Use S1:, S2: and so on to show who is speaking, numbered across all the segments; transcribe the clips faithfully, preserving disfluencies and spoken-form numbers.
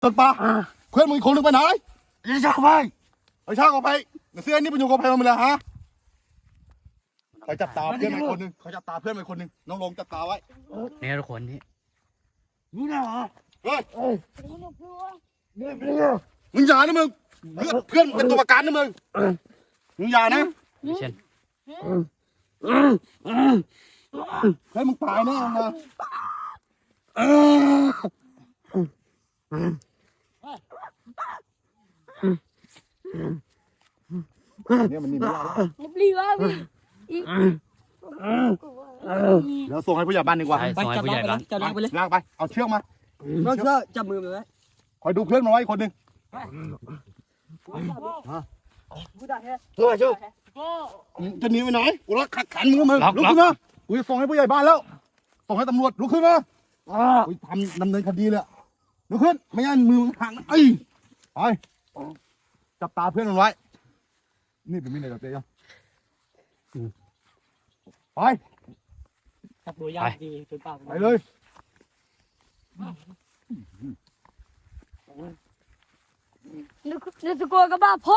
S1: ต้นปลาเพื่อนมึงอีกคนนึงไปไหน
S2: ไอ้ชาไป
S1: ไอ้ช่างออกไปเสื้อนี่เป็นอยู่กับใครมาเลยฮะเขาจับตาเพื่อนไปคนนึงเขาจับตาเพื่อนไปคนนึงน้องลงจับตาไว้
S3: เนี่ยทุกคนนี่
S2: นี่นะเหรอ
S1: เฮ้ย
S2: เนี่ยเนี่ย
S1: มึงอย่านะมึงเพื่อนเป็นตัวประกันนะมึงมึงอย่านะ
S3: เช่น
S1: เฮ้ยมึงตายแน่นะเนี่ยมันนี่ไม่ได้แล้ว
S4: รีบว่าพี่
S1: เดี๋ยวส่งให้ผู้ใหญ่บ้านดีกว่า
S3: ไปส่งให้ผู้ใหญ่บ้าน
S4: จับน้องไปเลย
S1: ลากไปเอาเชือกมา
S4: น้องเชือกจับมือมันไว้
S1: คอยดูเพื่อนมาไว้คนหนึ่ง
S2: ช่วยช่วย
S1: จะหนีไปไหนกูรักขัดขันมึงมึงลุกขึ้นมากูจะส่งให้ผู้ใหญ่บ้านแล้วส่งให้ตำรวจลุกขึ้นมากูทำดำเนินคดีเลยลุกขึ้นไม่งั้นมือหักไอ้ไปจับตาเพื่อนมันไว้นี่เป็นมิตรเลยเจ๊ไป
S4: จับตัวยากดีจนปาก
S1: ไปเลย
S4: นึกนึกจะกลัวกับบ้าพ่อ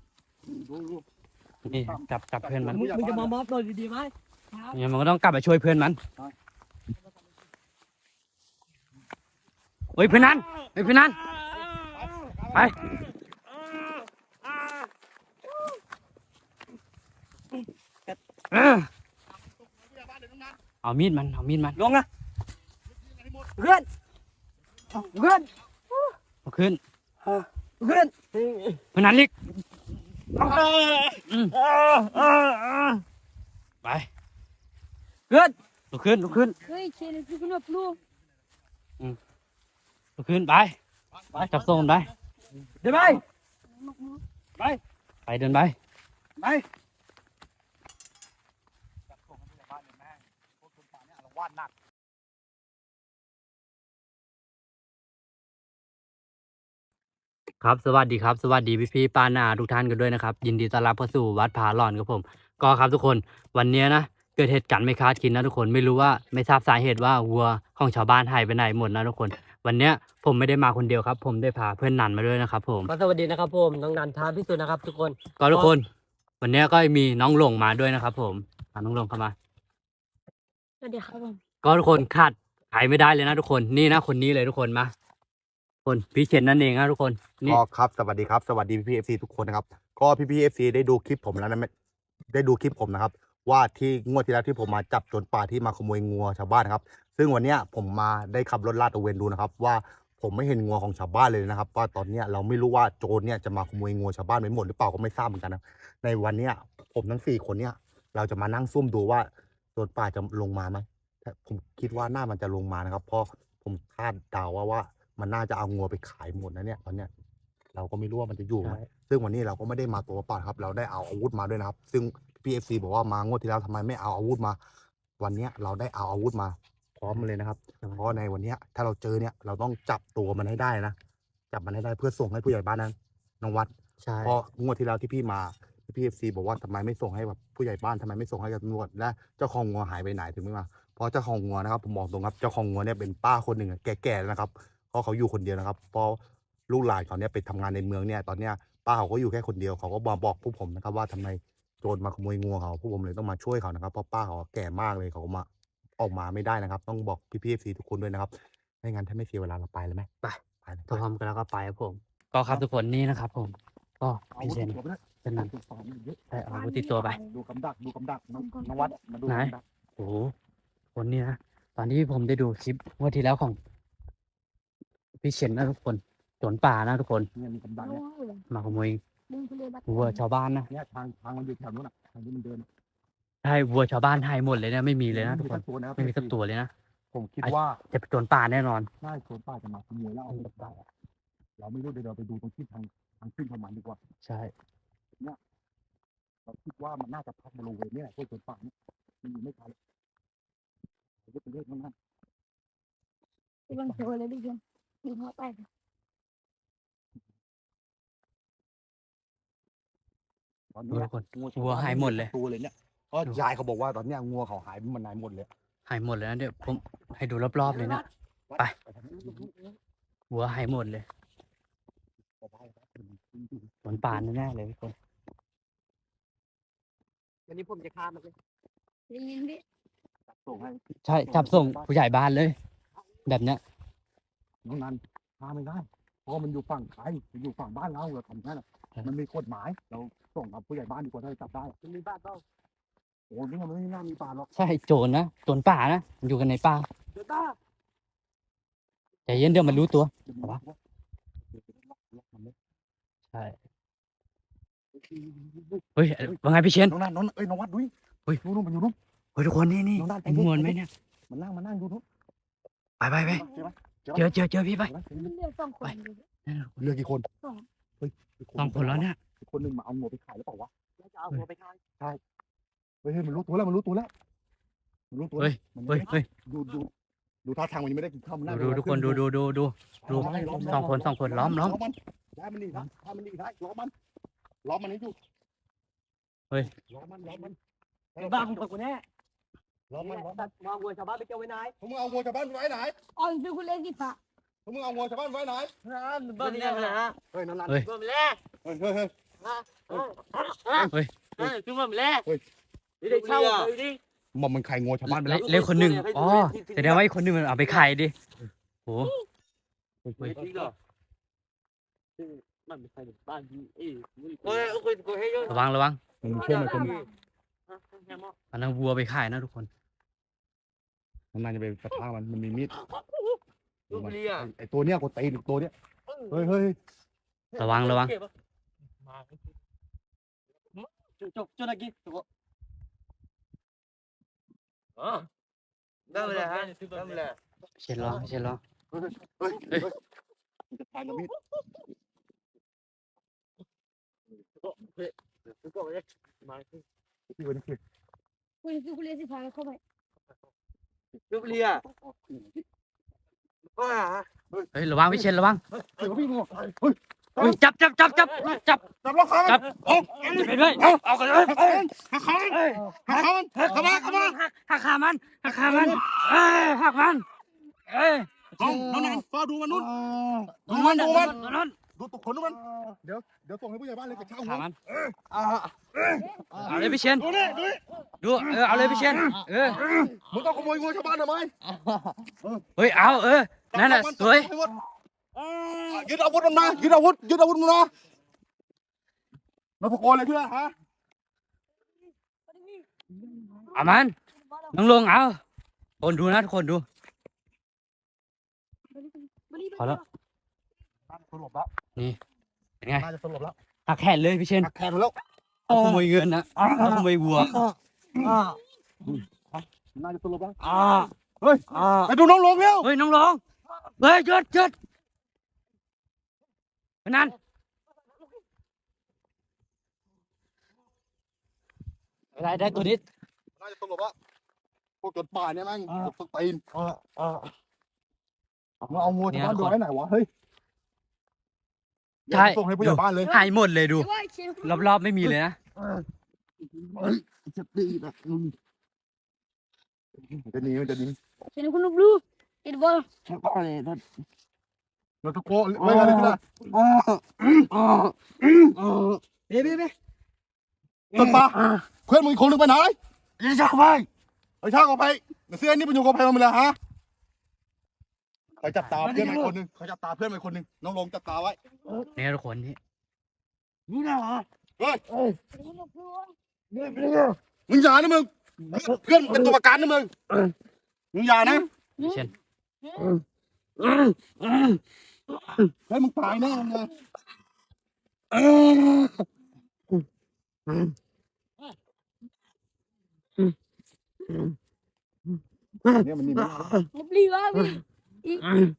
S3: นี่จับจับเพื่อนมัน
S4: มึงจะมามอบตัวดีๆไหม
S3: เนี่ยมันก็ต้องกลับไปช่วยเพื่อนมันเฮ้ยเพื่อนนั้นเฮ้ยเพื่อนนั้นไปเอามีดมันเอามีดมัน
S4: ลงนะเพื่อนเพื่อน
S3: เอาขึ้น
S4: เพื่อน
S3: เพื่อนนั้นลิกไป
S4: เพื่อน
S3: ลุกขึ้นลุกขึ้น
S4: เฮ้ยเชนคือคุณแบบลูก
S3: ลุกขึ้นไปไปจับโซ่ไป
S4: เดินไป
S3: ไปไปเดินไป
S4: ไป
S3: ครับสวัสดีครับสวัสดีพี่พี่ป้านาทุกท่านกันด้วยนะครับยินดีต้อนรับเข้าสู่วัดผาหลอนครับผมก็ครับทุกคนวันนี้นะเกิดเหตุการณ์ไม่คาดคิดนะทุกคนไม่รู้ว่าไม่ทราบสาเหตุว่าวัวของชาวบ้านหายไปไหนหมดนะทุกคนวันนี้ผมไม่ได้มาคนเดียวครับผมได้พาเพื่อนนันมาด้วยนะครับผม
S4: ก็สวัสดีนะครับผมน้องนันท้าพิสูจน์นะครับทุกคน
S3: ก็ทุกคนวันนี้ก็มีน้องหลงมาด้วยนะครับผมน้องหลงเข้ามา
S4: สวัสดีครับผม
S3: ก็ทุกคนขาดหายไม่ได้เลยนะทุกคนนี่นะคนนี้เลยทุกคนมาคนพี่เชนนั่นเองนะทุกคน
S1: ก็ครับสวัสดีครับสวัสดีพี่พี่เอฟซีทุกคนนะครับก็พี่พี่เอฟซีได้ดูคลิปผมแล้วนะได้ดูคลิปผมนะครับว่าที่งวดที่แล้วที่ผมมาจับโจรป่าที่มาขโมยงัวชาวบ้านนะครับซึ่งวันนี้ผมมาได้ขับรถลาดตระเวนดูนะครับว่าผมไม่เห็นงัวของชาวบ้านเลยนะครับว่าตอนนี้เราไม่รู้ว่าโจรเนี่ยจะมาขโมยงัวชาวบ้านไปหมดหรือเปล่าก็ไม่ทราบเหมือนกันนะในวันนี้ผมทั้งสี่คนเนี่ยเราจะมานั่งซุ่มดูว่าโจรป่าจะลงมาไหมแต่ผมคิดว่าน่ามันจะลงมานะครับเพราะผมคาดเดาว่าว่ามันน่าจะเอางัวไปขายหมดนะเนี่ยตอนเนี้ยเราก็ไม่รู้ว่ามันจะอยู่ไหมซึ่งวันนี้เราก็ไม่ได้มาตัวเปล่าครับเราได้เอาอาวุธมาด้วยนะครับซึ่งพีเอฟซีบอกว่ามางวดที่แล้วทำไมไม่เอาอาวุธมาวันนี้เราได้เอาอาวุธมาพร้อมเลยนะครับเพราะในวันนี้ถ้าเราเจอเนี่ยเราต้องจับตัวมันให้ได้นะจับมันให้ได้เพื่อส่งให้ผู้ใหญ่บ้านนั้นน้องวัด
S3: ใช่
S1: เพราะงวดที่แล้วที่พี่มาพีเอฟซีบอกว่าทำไมไม่ส่งให้แบบผู้ใหญ่บ้านทำไมไม่ส่งให้กับตำรวจและเจ้าของงัวหายไปไหนถึงไม่มาเพราะเจ้าของงัวนะครับผมบอกตรงครับเจ้าของงัวเนี่ยเป็นป้าคนหนึ่งแก่ๆนะครับเพราะเขาอยู่คนเดียวนะครับเพราะลูกหลานเขาเนี่ยไปทำงานในเมืองเนี่ยตอนเนี้ยป้าเขาก็อยู่แค่คนเดียวเขาก็บอกบอกพวกผมนะครับว่าทำไมโจรมาขโมยงัวเขาพวกผมเลยต้องมาช่วยเขานะครับเพราะป้าเขาแก่มากเลยเขามาออกมาไม่ได้นะครับต้องบอกพี่พี่เอฟซีทุกคนด้วยนะครับไม่งั้นถ้าไม่เสียเวลาเราไปเลยไหม
S3: ไปไปพร้อมกันแล้วก็ไปครับผมก็ครับทุกคนนี่นะครับผมก็พี่เชนเป็นนั้นได้เอาอาวุธติดตัวไป
S1: ดูกำดักดูกำดักน้องวัดมาดู
S3: ไหนโอ้โหคนนี้นะตอนที่ผมได้ดูคลิปวันที่แล้วของพี่เชนนะทุกคนโจรป่านะทุกคนมาขโมยวัวชาวบ้านนะ
S1: เนี่ยทางทางมันอยู่แถวนู้นอ่ะทางที่มันเดิน
S3: ใช่วัวชาวบ้านหายหมดเลยนะไม่มีเลยนะทุกคนไม่มีสักตัวเลยนะ
S1: ผมคิดว่า
S3: จะเป็นโจรป่าแน่นอน
S1: ใช่โจรป่าจะมาขโมยแล้วเอาไปเราไม่รู้เดี๋ยวเราไปดูตรงที่ทางทางขึ้นของมันดีกว่า
S3: ใช่
S1: เนี่ยเราคิดว่ามันน่าจะพักบริเวณนี้แหละพวกโจรป่าเนี่ยมันอยู่ไม่ไกลเราจะไปเรียกมันนั่น
S4: ที่มันโชว์เลยดิเพื่อนดูเขาไป
S3: ตอนนี้วัวหายหมดเลย
S1: ตัวเลยเนี่ยก็ยายเขาบอกว่าตอนนี้งัวเขาหายมันหายหมดเลย
S3: หายหมดเลยนะเดี๋ยวผมให้ดูรอบๆเลยนะไปวัวหายหมดเลยสวนป่าแน่ๆเลยทุกคน
S4: วันนี้ผมจะฆ่ามันเลย
S2: ได้ยินดิ
S1: ส่งให้
S3: ใช่จับส่งผู้ใหญ่บ้านเลย แบบเนี้ย
S1: น้องนันพาไม่ได้เพราะมันอยู่ฝั่งไทยมันอยู่ฝั่งบ้านเราเราทำได้หรอมันมีกฎหมายเราส่งกับผู้ใหญ่บ้านดีกว่าถ้าจะจับได้
S4: มันมีบ้านเปล่า
S1: โอ้นี่มันไม่น่ามีป่าหรอก
S3: ใช่โจรนะโจรป่านะมันอยู่กันในป่า
S4: เดี๋ยวตา
S3: ใจเย็นเดี๋ยวมันรู้ตัว
S1: วะ
S3: ใช่เฮ้ยว่าไงพี่เชน
S1: น้องนันน้องเอ้ยน้องวัดดุย
S3: เฮ้ย
S1: นู่นนู่นมันอยู่นู่น
S3: เฮ้ยทุกคนนี่นี่
S1: น้องนัน
S3: เห็นมวลไหมเนี่ย
S1: มันนั่งมันนั่งอยู่นู่น
S3: ไปไปไป
S1: ใช่ไหม
S3: เจอเจอเจอพี่ไป
S2: มันเหลือสองคนอยู่
S1: เรือกี่คนเฮ้ย
S3: สองคนแล้วเนี่ย
S1: คนหนึ่งมาเอาหมูไปขายหรือเปล่าวะ
S4: แล้วจะเอาหัวไปฆ่า
S1: เฮ้ยเฮ้ยมันรู้ตัวแล้วมันรู้ตัวแล้วมันรู้ตัวแล้วมัน
S3: เฮ้ยเฮ้ย
S1: ดูดูดูท่าทางมันยังไม่ได้กินข้าวมันนั่ง
S3: ดูดูทุกคนดูดูดูดู ดูสองคนสองคนล้อมล้อม
S1: มันได้มันดีนะถ้ามันดีได้ล้อมมันล้อมมันให้ดู
S3: เฮ้ย
S1: ล้อมมันล้อมมัน
S4: บ้ามึงกับกูแน่
S1: ล้อมมันล้อม
S4: ตั
S1: มัน
S4: ดวางวัวชาวบ้านไปเจ้าไว้ไหน
S1: พวกมึงเอาวัวชาวบ้านไว้ไหน
S2: อ๋อคือคุณเล่นสิฟ้า
S1: พวกมึงเอาวัวชาวบ้านไว้ไหน
S4: เบิ้ลเนี่ยนะ
S1: เฮ้ยนั่นนั่น
S3: เฮ้ย
S4: เบิ้ลแล่
S1: เฮ้ยเฮ้ยเฮ้ย
S3: เฮ้ย
S4: เฮ้ยคือเบิ้ลแล่
S1: เฮ้ย
S4: นี่ได้เช่าเลยดิ
S1: มอมมันใครงัวชาวบ้านไปแล้ว
S3: เล็กคนหนึ่งอ๋อแสดงว่าอีกคนหนึ่งมันเอาไปขายดิโห
S4: เฮ้ยจริงเหรอมันไม่ใช่บ้านที่เอ้ยเฮ้ยโอเคโอเคเยอะ
S3: ระวังระวัง
S1: มึงเชื่อไหมคน
S3: อันนั้นวัวไปขายนะทุกคน
S1: มันน่าจะไปกระทามันมันมีมีด
S4: ลูกเลี้ย
S1: ไอตัวเนี้ยกูตีตัวเนี้ยเฮ้ยเฮ้ย
S3: ระวังระวัง
S4: จุดจุดจุดอะไรกี่ตัวอ๋อได้เลยฮะได้เลย
S3: เชนล้อเชนล้อ
S1: เฮ้ยเฮ้ยเฮ้ยมันจะตายกับมีด
S4: ก็ไปมา
S1: ที่วันนี้คือ
S2: คุณคือคุณเล่นสิฟ้าเข้าไป
S4: ลูกเลี้ยว้า
S3: เฮ้ยระวังพี่เชนระวัง
S1: เฮ้ยพี่งัวเฮ้ย
S3: เฮ้ยจับจับจับจับจับ
S1: จับล็อกขา
S3: จับ
S1: เอา
S3: ไปเลยเอากันเลย
S1: หักขาหักขามันเข้ามาเข้ามา
S3: หักขามันหักขามันเอ้ยหักมันเอ้ย
S1: น้องน้องนันฟ้าดูมันนู่น
S3: ดูมันดูมันดูมัน
S1: ดูตุกขนดูมัน เดี๋ยวเดี๋ยวส่งให้ผู้ใหญ่บ้านเลยกระเช้าหั
S3: ขาว มัน
S4: อ่า
S3: เอาเลยพี่เชน
S1: ดูนี่ดูนี่
S3: ดูเออเอาเลยพี่เชนเออ
S1: มึงต้องขโมยงัวชาวบ้านทำไม
S3: เฮ้ยเอาเออนั่นแหละสวย
S1: ยึดอาวุธมันมายึดอาวุธยึดอาวุธมันมาเราตะโกนเลยเพื่อนฮะ
S3: เอามันน้องลงเอาคนดูนะทุกคนดูพอแล้ว
S1: น่าจะสลบแล้ว
S3: เป็นไง
S1: น่าจะสลบแล้ว
S3: หักแขนเลยพี่เชน
S1: หักแขนแล้ว
S3: เอาขโมยเงินนะเอาขโมยวัว
S4: อ่า
S1: น่าจะสลบแล้ว
S4: อ่า
S1: เฮ้ย
S4: อ่า
S1: ไปดูน้องลงเร็ว
S3: เฮ้ยน้องลงเฮ้ยหยุดหยุดนั่นได้ได้ตัวนี้
S1: น่าจะสลบแล้วพวกจดป่าเนี่ยแม่งตกตีน
S4: อ่าอ่า
S1: มึงเอางัวชาวบ้านดูไว้ไหนวะเฮ้ย
S3: ใช่
S1: ส่งให้ผู้ใหญ่บ้านเลย
S3: หายหมดเลยดู
S2: ว่าเชน
S3: รอบๆไม่มีเลยนะ
S1: จะดีนะจะหนีมันจะหนี
S2: เชนคุณลูกลูเอ็ดบอล
S4: ชาวบ้านเลยท่าน
S1: เราตะโกนไม่อะไรก็ได้
S4: อ่าอ่าอ่าเบ๊เบ๊เบ๊
S1: ต้นป่าเพื่อนมึงอีกคนนึงไปไหน
S4: ยังจะเข้าไป
S1: ไอ้ช่างเอาไปเสื้อนี่มันอยู่กับใครมาเลยฮะใครจับตาเพื่อนมันคนนึงใครจับตาเพื่อนมันคนนึงน้องลงจับตาไว้
S3: เนี่ยทุกคนนี่
S4: นี่นะเหรอ
S1: เฮ้ย
S2: คุณลูกลู
S4: เบ๊เบ๊
S1: มึงอย่านะมึงเพื่อนเป็นตัวประกันนะมึงมึงอย่านะ
S3: พี่เชน
S1: เฮ้ยมึงตายแน่เลย เนี่ยมันนี่มัน
S2: ลูกลีวะพี่อีก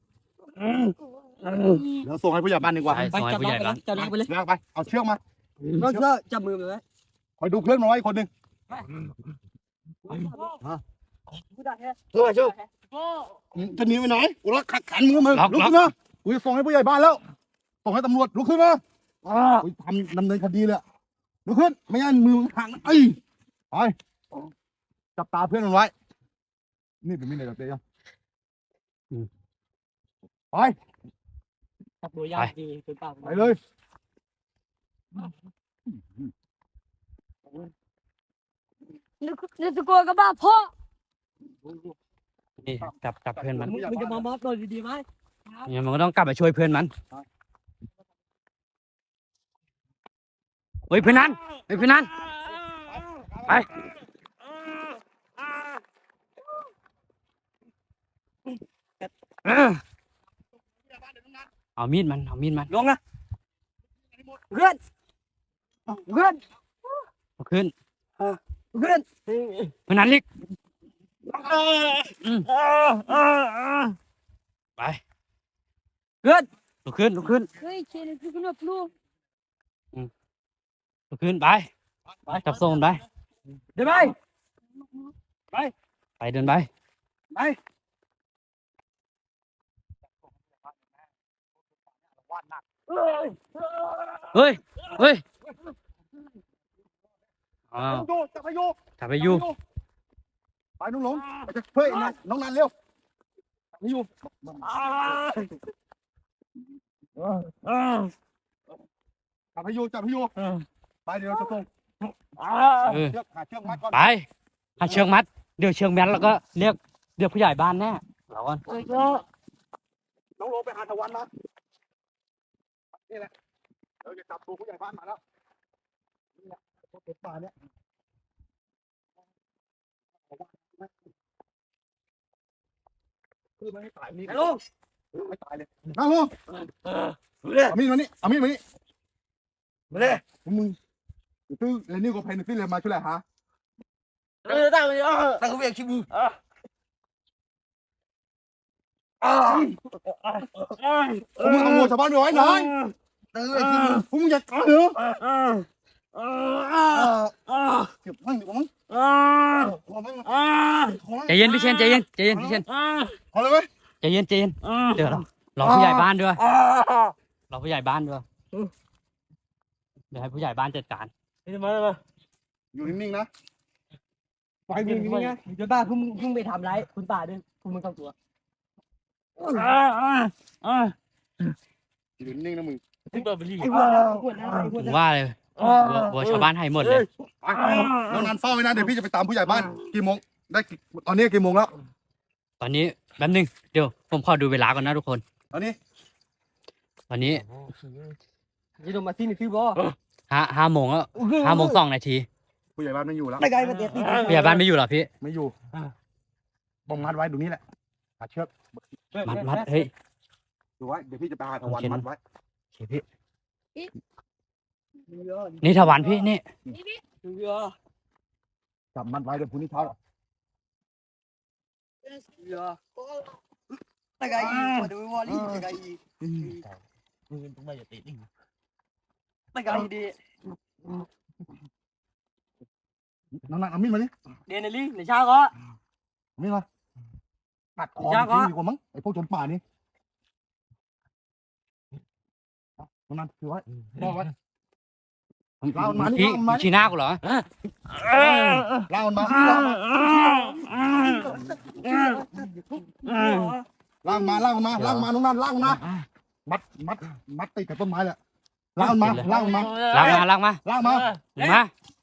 S1: เดี๋ยวส่งให้ผู้ใหญ่บ้านดีกว่า
S3: ใช่ซอยผู้ใหญ่บ้าน
S4: จับน้ำไปเลย
S1: เลือกไปเอาเชือกมา
S4: ก็เชื่อจับมือมันไว้
S1: คอยดูเพื่อนมาไว้คนหนึ่ง
S4: กูได้แค่ช่วยช่วย
S1: จะหนีไปไหนกูรักขัดขันมึงมึงลุกขึ้นมากูจะส่งให้ผู้ใหญ่บ้านแล้วส่งให้ตำรวจลุกขึ้นมา
S4: อ่า
S1: กูทำดำเนินคดีเลยลุกขึ้นไม่งั้นมือมึงหักนะไอ้ไปจับตาเพื่อนมันไว้ นี่เป็นมิตรเลยกับเจ๊ยังไป
S4: จับตัวยากดีเป็นปาก
S1: ไปเลย
S2: นึกนึกตะโกนกับบ้าพ่อ
S3: นี่จับจับเพื่อนมัน
S4: มึงมึงจะมามอบตัวดีๆไหม
S3: เนี่ยมันก็ต้องกลับไปช่วยเพื่อนมันเฮ้ยเพื่อนนั้นเฮ้ยเพื่อนนั้นไปเออเอามีดมันเอามีดมัน
S4: ลงนะเพื่อนเพื่อน
S3: เอาขึ้น
S4: เพื่อน
S3: เพื่อนนั้นลิกอืมไป
S4: เพื่อน
S3: ลุกขึ้นลุกขึ้น
S2: เฮ้ยเชนคือคุณบลู
S3: ลุกขึ้นไปไปจับโซ่มันไป
S4: เดี๋ยวไป
S3: ไปเดินไป
S4: ไป
S3: เฮ้ยเฮ้ยอ้าว
S1: โยจับไปโย
S3: จับไปอยู่
S1: ไปน้องหลงไปจะเฮ้ยน้องน้องนันเร็วไปอยู่จับไปโยจับไปโยไปเดี๋ยวเราจะส่ง
S3: เออ
S1: เชือกหาเชือกมัดก่อน
S3: ไปหาเชือกมัดเดี๋ยวเชือกมัดแล้วก็เรียกเรียกผู้ใหญ่บ้านแน่เราก่อน
S1: น้องโลไปหาตะวันมานี่แหละเดี๋ยวจะจับตัวผู้ใหญ่บ้านมาแล้วนี่แหละตัวเป็ดป่าเนี่ยคือไม่ให้ตายนี่
S4: ฮัลโหล
S1: ไม่ตายเลยนั่งลงเอามีดมานี่เอามีดมานี่
S4: มาเลย
S1: มึงตื้อเรนนี่ก็เพนตื้อเลยมาช่วยอะไรฮะ
S4: เออตั้งเลยตั้งเขาเวียงชิบูอ่าอ่า
S1: พวกมึงเอางูชาวบ้านไปไว้หน่อยตื้อไอ้ที่มึงพวกมึงอย่าตายเหรอ
S4: อ่าอ่าอ่าอ่า
S1: เก็บมั่งเดี๋ยวมั่ง
S4: อ่า
S1: ขอมั่ง
S4: อ่า
S1: ขอมั่ง
S3: ใจเย็นพี่เชนใจเย็นใจเย็นพี่เชน
S4: อ่า
S1: ขอเลยไหม
S3: ใจเย็นใจเย็น
S4: อ่า
S3: เดี๋ยวเรารอผู้ใหญ่บ้านด้วย
S4: อ่าร
S3: อผู้ใหญ่บ้านด้วยเดี๋ยวให้ผู้ใหญ่บ้านจัดการ
S4: นี่มาเลยมา
S1: อยู่นิ่งๆนะไฟ
S4: ไป
S1: มึ
S4: มึ
S1: ง
S4: ง
S1: นี่
S4: นี่
S1: ไง
S4: ไงเดี๋ยวบ้าพุ่งพุ่งไปทำร้ายคุณป่าด้วยคุณมึงต้องตัวอ่าอ่าอ่า
S1: อยู่นิ่งๆนะมึง
S4: ที่เปิดไปรีไอ้หัวหัวหน้าไอ้หัว
S3: ผ
S4: ห
S3: ม
S4: น้า
S3: ว่าเลยวัววัวชาวบ้านให้หมดเลย
S1: ไปน้องนันเฝ้าไว้นะเดี๋ยวพี่จะไปตามผู้ใหญ่บ้านกี่โมงได้กี่ตอนนี้กี่โมงแล้ว
S3: ตอนนี้แป๊บนึงเดี๋ยวผมขอดูเวลาก่อนนะทุกคน
S1: ตอนนี้
S3: ตอนนี้
S4: จะโดนมาที่นี่คือบ่
S3: ห้าห้าโมงแล้วห้าโมงสองนาที
S1: ผู้ใหญ่บ้านไม่อยู่แล้ว
S4: ไม่ไกลมาเด็ด
S3: ผู้ใหญ่บ้านไม่อยู่เหรอพี่
S1: ไม่อยู่บ้องมัดไว้ตรงนี้แหละหาเชือก
S3: มัดมัดเฮ้ย
S1: ดูไว้เดี๋ยวพี่จะไปหาตะวันมัดไว้
S3: โอเคพี่นี่ถวันพี่นี่
S1: จับมัดไว้เดี๋ยวพรุ่งนี้เช้า
S4: ตะไคร้มาดูวอลลี่ตะไคร้มึงต้องมาอย่าติดตะไคร้ดี
S1: น้องนันเอามีดมาดิ
S4: เดนลี่ในเช้าก็
S1: เอามีดมาตัดคอ
S4: จ้า
S1: มัน
S4: ก็
S1: ทิ้งดีกว่ามั้งไอ้พวกโจรป่านี่น้องนันถือไว้มองไว้เล่ามันมานี่
S3: พี่
S1: เล่ามันมานี่
S3: ชี้หน้ากูเหรอ
S1: เล่ามันมาเล่ามันมาล่างมาล่างมาล่างมาน้องนันล่างมามัดมัดมัดติดกับต้นไม้แหละล่างมาล่างมา
S3: ล้างมาล้างมา
S1: ล่างมา
S3: มา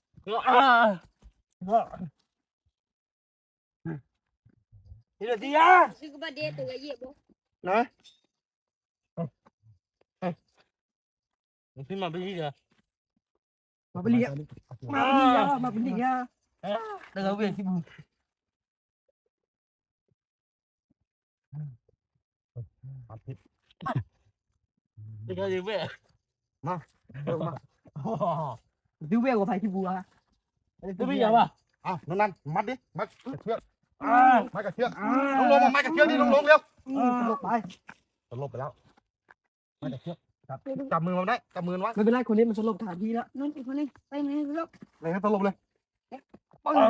S4: ทีละทีอ่ะ
S2: ซื้อกับบ้าเดตัวใหญ่บ่
S1: นะ
S4: มึงขึ้นมาไปนี่เหรอ
S1: มาไปเรียก
S4: มาไปนี่อ่ะมาไปนี่อ่ะตะไคร้เวียงชิบูตะไคร้เวียง
S1: เร็วมา
S4: ดูเวียงกว่าไผ่ชิบูอ่ะดูไม่ยาวอ่ะ
S1: อ้าวน้องนันมัดดิมัดกับเชือกมัดกับเชือกน้องลงมามัดกับเชือกนี่น้องลงเร็ว
S4: สลบไป
S1: สลบไปแล้วมัดกับเชือกจับจับมือมันได้จับมือมันไว้
S4: ไม่เป็นไรคนนี้มันสลบฐานที่แล้ว
S2: นั่นอีกคนนึงไปไหนลูก
S1: เลยให้สลบเลย
S4: ปัง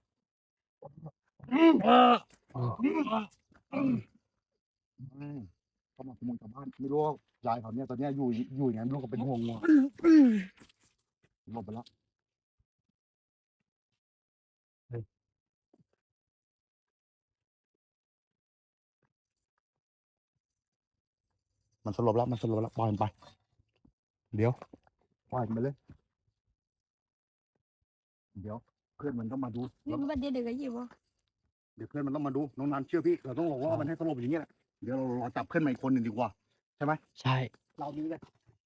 S1: เขามาขโมยชาวบ้านไม่รู้ว่ายายเขาเนี่ยตอนเนี้ยอยู่อยู่อย่างนั้นลูกก็เป็นห่วงงัวสลบไปแล้วมันสลบแล้วมันสลบแล้วปล่อยมันไป เดี๋ยวปล่อยมันไปเลยเดี๋ยวเพื่อนมันต้องมาดู
S2: นี่บัดเดียวเดี๋ยวก็เหยียบบ่
S1: เดี๋ยวเพื่อนมันต้องมาดูน้องนันเชื่อพี่เราต้องหลอกล่อมันให้สลบอย่างเงี้ยแหละเดี๋ยวเรารอจับเพื่อนมาอีกคนหนึ่งดีกว่าใช่ไหม
S3: ใช่
S1: เรานี้เลย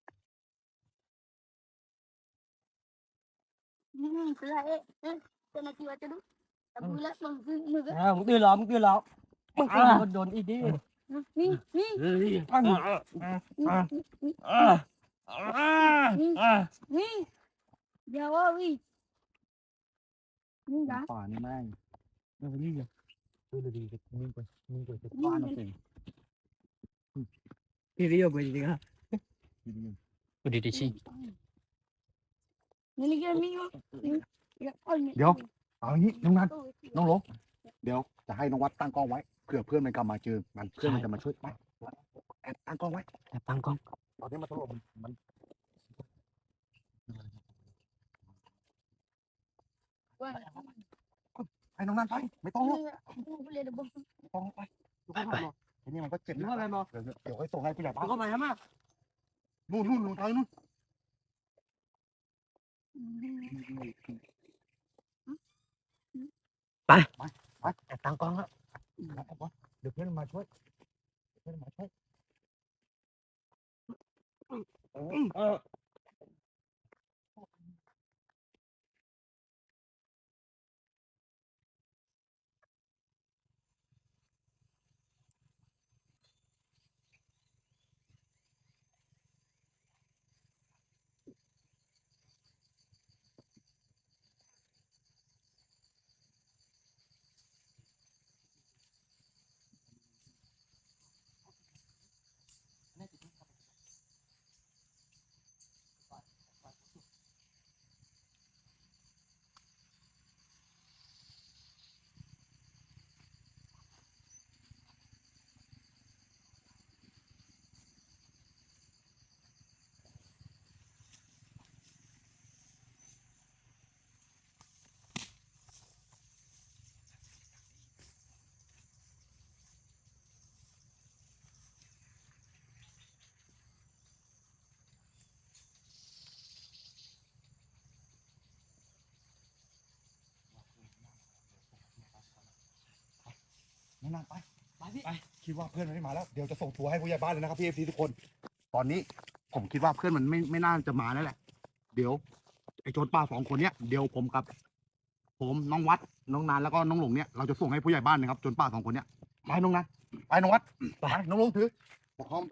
S2: อืมคืออะไรเอ๊ะเป็นอะไรวะจะดูแต่บุละมึงคือมึงก็
S4: อ่ามึงตื่นแล้วมึงตื่นแล้วมึงตื่นโดนอีกดิ
S2: นี่นี่
S4: เฮ้ย
S2: นี่
S4: อ่า
S2: นี่
S4: อ่าอ่าอ่าอ่า
S2: นี่เดี๋ยวว่าวินี่จ้ะ
S1: ป่านี่แม่ง
S4: เดี๋ยวนี่เลย
S1: ดูดีๆนิ่งไปนิ่งไปจะบ้านเราเอง
S4: พี่เรียกไปจริงๆครับ
S3: ดูดีดิชิ
S2: นี่นี่ก็มีวะนี่เอา
S1: เดี๋ยวเอาอย่างนี้น้องนันน้องหลงเดี๋ยวจะให้น้องวัดตั้งกล้องไว้เผื่อเพื่อนมันกลับมาเจอมันเพื่อนมันจะมาช่วยไปแอบตั้งกล้องไว้
S3: แต่ตั้งกล้อง
S1: ตอนนี้มันสลบมัน
S2: ว่า
S1: ให้น้องนันไปไม่ต้องหรอก
S2: กูเรียนบ่
S1: ไม่ต้องไปไปไปทีนี้มันก็เจ็บ
S4: มึง
S1: นะ
S4: อะไรมา
S1: เดี๋ยวเดี๋ยวให้ส่งให้ผู้ใหญ่บ้าน
S4: มึงเข้ามาทำไม
S1: นู่นนู่นลงทางนู่น
S3: แต่ตั้งกล้องแล้ว
S1: เดี๋ยวเพื่อนมาช่วยเพื่อนมาช่วย
S4: เออ
S1: น้องนันไปไปพี่ไปคิดว่าเพื่อนมันไม่มาแล้วเดี๋ยวจะส่งทัวร์ให้ผู้ใหญ่บ้านเลยนะครับพี่เอฟซีทุกคน ตอนนี้ผมคิดว่าเพื่อนมันไม่ไม่น่าจะมาแล้วแหละ เดี๋ยวไอ้โจรป่าสองคนเนี้ยเดี๋ยวผมกับ ผมน้องวัดน้องนานแล้วก็น้องหลงเนี่ยเราจะส่งให้ผู้ใหญ่บ้านนะครับโจรป่าสองคนเนี้ยไปน้องนันไปน้องวัดไปน้องหลงถือบอกพร้อมไป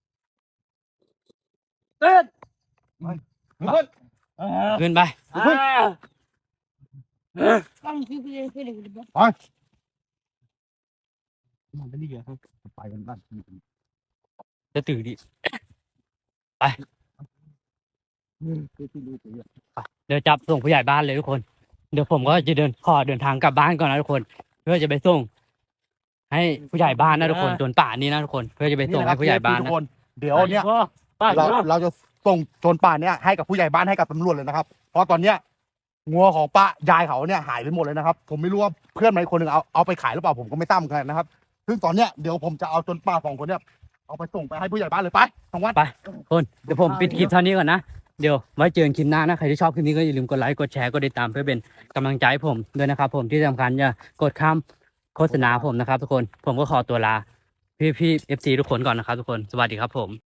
S4: เต้น
S1: เพื่อน
S3: ขึ้นไป
S2: ต้องคือเรียนคือเรียนบ่
S4: มันเป็นดีเหรอ
S1: ไปกันบ้าน
S3: จะตื่นดิ
S1: คือที่รู้ตัว
S3: เดี๋ยวจับส่งผู้ใหญ่บ้านเลยทุกคน เดี๋ยวผมก็จะเดินขอเดินทางกลับบ้านก่อนนะทุกคน เพื่อจะไปส่ง ให้ผู้ใหญ่บ้านนะทุกคนจนป่านี้นะทุกคน เพื่อจะไปส่งให้ผู้ใหญ่บ้าน
S1: ทุ
S3: นะ
S1: กคนเดี๋ยวเนี่ย
S4: ป้า
S1: เราเราจะส่งโจรป่าเนี่ยให้กับผู้ใหญ่บ้านให้กับตำรวจเลยนะครับ เพราะตอนเนี้ยงัวของป้ายายเขาเนี่ยหายไปหมดเลยนะครับ ผมไม่รู้ว่าเพื่อนมันอีกคนหนึ่งเอาเอาไปขายหรือเปล่าผมก็ไม่ทราบเหมือนกันนะครับ ซึ่งตอนเนี้ยเดี๋ยวผมจะเอาโจรป่าสองคนเนี่ยเอาไปส่งไปให้ผู้ใหญ่บ้านเลยไปทางวัด
S3: คนเดี๋ยวผมปิดคลิปเท่านี้ก่อนนะ เดี๋ยวไว้เจอกันคลิปหน้านะ ใครที่ชอบคลิปนี้ก็อย่าลืมกดไลค์ กดแชร์ กดติดตามเพื่อเป็นกำลังใจให้ผมด้วยนะครับผมที่สำคัญอย่ากดข้ามโฆษณาผมนะครับทุกคน ผมก็ขอตัวลาพี่พี่เอฟซีทุกคนก่อนนะครับทุกคน สวัสดีครับผม